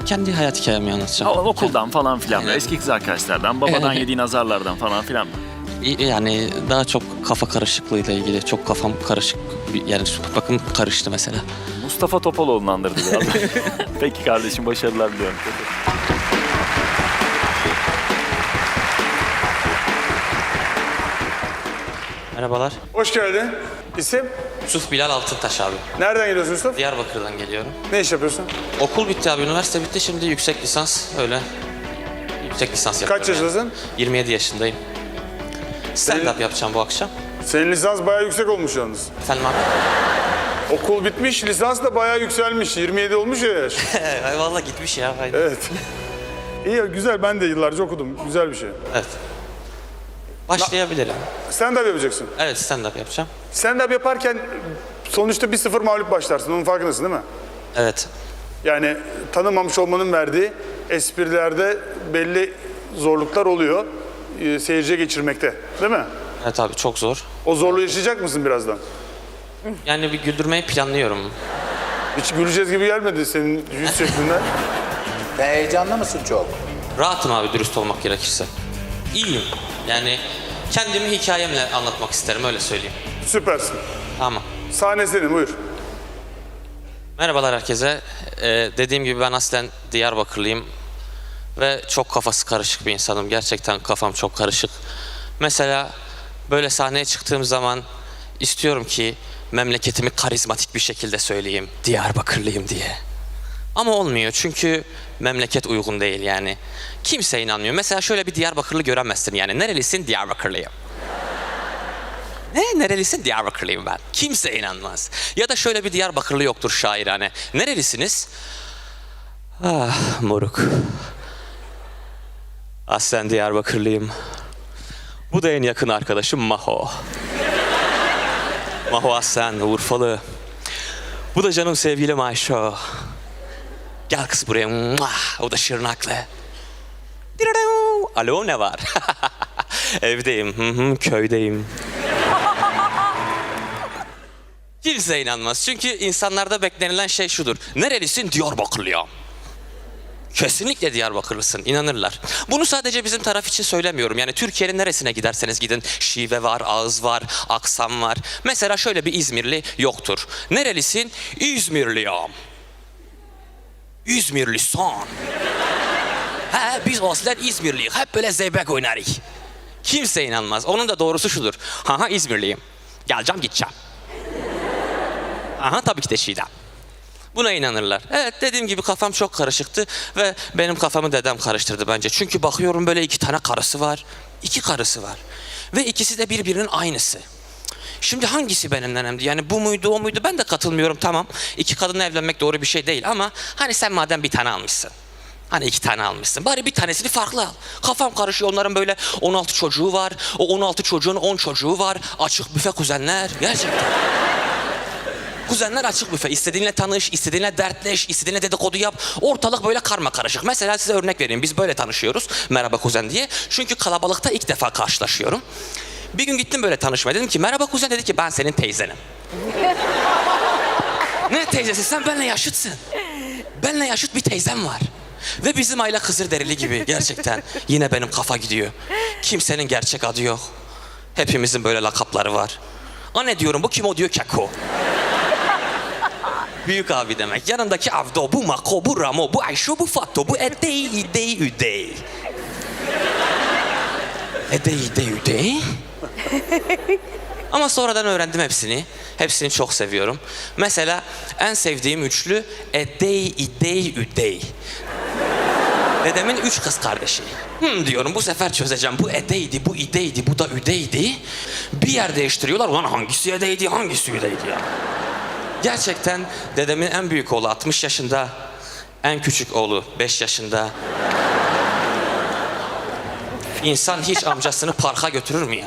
kendi hayat hikayemi anlatacağım. Okuldan falan filan mı? Aynen. Eski kız arkadaşlardan, babadan yediğin azarlardan falan filan mı? Yani daha çok kafa karışıklığıyla ilgili. Çok kafam karışık. Yani bakın karıştı mesela. Mustafa Topaloğlu'nu andırdı biraz. Peki kardeşim, başarılar diliyorum. Merhabalar. Hoş geldin. İsim? Yusuf Bilal Altıntaş abi. Nereden geliyorsun Yusuf? Diyarbakır'dan geliyorum. Ne iş yapıyorsun? Okul bitti abi. Üniversite bitti. Şimdi yüksek lisans öyle. Yüksek lisans yapıyorum. Kaç yaşındasın? Yani. 27 yaşındayım. Stand-up yapacağım bu akşam. Senin lisans bayağı yüksek olmuş yalnız. Efendim abi? Okul bitmiş, lisans da bayağı yükselmiş. 27 olmuş ya yaş. Ay vallahi gitmiş ya. Aynen. Evet. İyi, güzel. Ben de yıllarca okudum. Güzel bir şey. Evet. Başlayabilirim. Stand-up yapacaksın. Evet, stand-up yapacağım. Stand-up yaparken sonuçta 1-0 mağlup başlarsın. Onun farkındasın değil mi? Evet. Yani tanımamış olmanın verdiği esprilerde belli zorluklar oluyor. Seyirciye geçirmekte. Değil mi? Evet abi, çok zor. O zorluğu yaşayacak mısın birazdan? Yani bir güldürmeyi planlıyorum. Hiç güleceğiz gibi gelmedi senin yüz şeklinden. Sen heyecanlı mısın çok? Rahatım abi, dürüst olmak gerekirse. İyiyim. Yani kendimi hikayemle anlatmak isterim, öyle söyleyeyim. Süpersin. Tamam. Sahne senin, buyur. Merhabalar herkese. Dediğim gibi ben aslen Diyarbakırlıyım. Ve çok kafası karışık bir insanım. Gerçekten kafam çok karışık. Mesela böyle sahneye çıktığım zaman istiyorum ki memleketimi karizmatik bir şekilde söyleyeyim. Diyarbakırlıyım diye. Ama olmuyor çünkü memleket uygun değil yani. Kimse inanmıyor. Mesela şöyle bir Diyarbakırlı göremezsin yani. Nerelisin? Diyarbakırlıyım. Nerelisin? Diyarbakırlıyım ben. Kimse inanmaz. Ya da şöyle bir Diyarbakırlı yoktur şairane. Nerelisiniz? Ah moruk. Aslen Diyarbakırlıyım. Bu da en yakın arkadaşım Maho. Maho aslen Urfalı. Bu da canım sevgilim Ayşo. Gel kız buraya. Muah! O da Şırnaklı. Alo, ne var? Evdeyim. Köydeyim. Kimse inanmaz. Çünkü insanlarda beklenilen şey şudur. Nerelisin? Diyarbakırlıyım. Kesinlikle Diyarbakırlısın, inanırlar. Bunu sadece bizim taraf için söylemiyorum. Yani Türkiye'nin neresine giderseniz gidin, şive var, ağız var, aksam var. Mesela şöyle bir İzmirli yoktur. Nerelisin? İzmirliyim. İzmirlisin. He, biz aslen İzmirliyiz. Hep böyle zeybek oynarız. Kimse inanmaz. Onun da doğrusu şudur. Ha İzmirliyim. Geleceğim, gideceğim. Aha, tabii ki de Şii'den. Buna inanırlar. Evet, dediğim gibi kafam çok karışıktı ve benim kafamı dedem karıştırdı bence. Çünkü bakıyorum böyle 2 tane karısı var. 2 karısı var. Ve ikisi de birbirinin aynısı. Şimdi hangisi benim nenemdi? Yani bu muydu, o muydu? Ben de katılmıyorum, tamam. 2 kadınla evlenmek doğru bir şey değil ama hani sen madem bir tane almışsın. Hani 2 tane almışsın. Bari bir tanesini farklı al. Kafam karışıyor. Onların böyle 16 çocuğu var. O 16 çocuğun 10 çocuğu var. Açık büfe kuzenler. Gerçekten. Kuzenler açık büfe. İstediğinle tanış, istediğinle dertleş, istediğinle dedikodu yap. Ortalık böyle karma karışık. Mesela size örnek vereyim. Biz böyle tanışıyoruz. Merhaba kuzen diye. Çünkü kalabalıkta ilk defa karşılaşıyorum. Bir gün gittim böyle tanışmaya. Dedim ki merhaba kuzen, dedi ki ben senin teyzenim. Ne teyzesi? Sen benimle yaşıtsın. Benimle yaşıt bir teyzem var. Ve bizim aile Kızılderili gibi gerçekten. Yine benim kafa gidiyor. Kimsenin gerçek adı yok. Hepimizin böyle lakapları var. Anne diyorum, bu kim? O diyor Keko. Büyük abi demek. Yanındaki Avdo, bu Mako, bu Ramo, bu Ayşo, bu Fatto, bu Edey, İdey, Üdey. Edey, İdey, Üdey. Ama sonradan öğrendim hepsini. Hepsini çok seviyorum. Mesela en sevdiğim üçlü Edey, İdey, Üdey. Dedemin 3 kız kardeşi. Diyorum, bu sefer çözeceğim. Bu Edey'di, bu İdey'di, bu da Üdey'di. Bir yer değiştiriyorlar. Ulan hangisi Edey'di, hangisi Üdey'di ya? Gerçekten dedemin en büyük oğlu 60 yaşında. En küçük oğlu 5 yaşında. İnsan hiç amcasını parka götürür mü ya?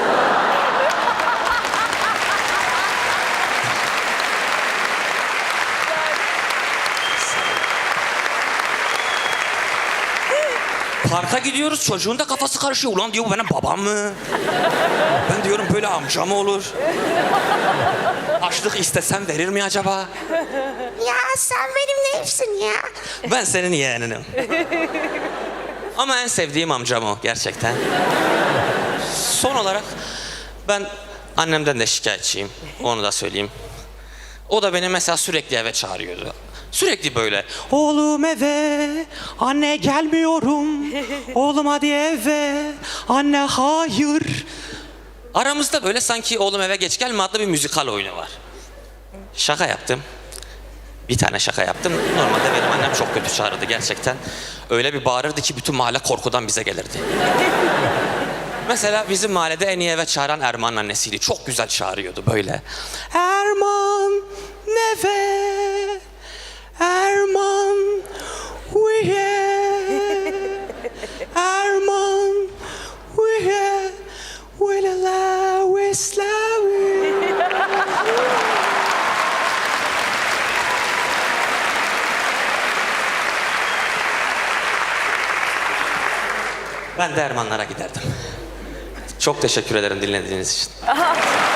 Parka gidiyoruz, çocuğun da kafası karışıyor. Ulan diyor, bu benim babam mı? Ben diyorum böyle amca mı olur? Açlık istesem verir mi acaba? Ya sen benim neyimsin ya? Ben senin yeğeninim. Ama en sevdiğim amcam o gerçekten. Son olarak ben annemden de şikayetçiyim. Onu da söyleyeyim. O da beni mesela sürekli eve çağırıyordu. Sürekli böyle. Oğlum eve, anne gelmiyorum. Oğlum hadi eve, anne hayır. Aramızda böyle sanki oğlum eve geç gelme adlı bir müzikal oyunu var. Şaka yaptım. Bir tane şaka yaptım. Normalde benim annem çok kötü çağırırdı gerçekten. Öyle bir bağırırdı ki bütün mahalle korkudan bize gelirdi. Mesela bizim mahallede en iyi eve çağıran Erman'ın annesiydi. Çok güzel çağırıyordu böyle. Erman neve, Erman uye, Erman uye, wilala wislawi. Ben de Ermanlara giderdim. Çok teşekkür ederim dinlediğiniz için.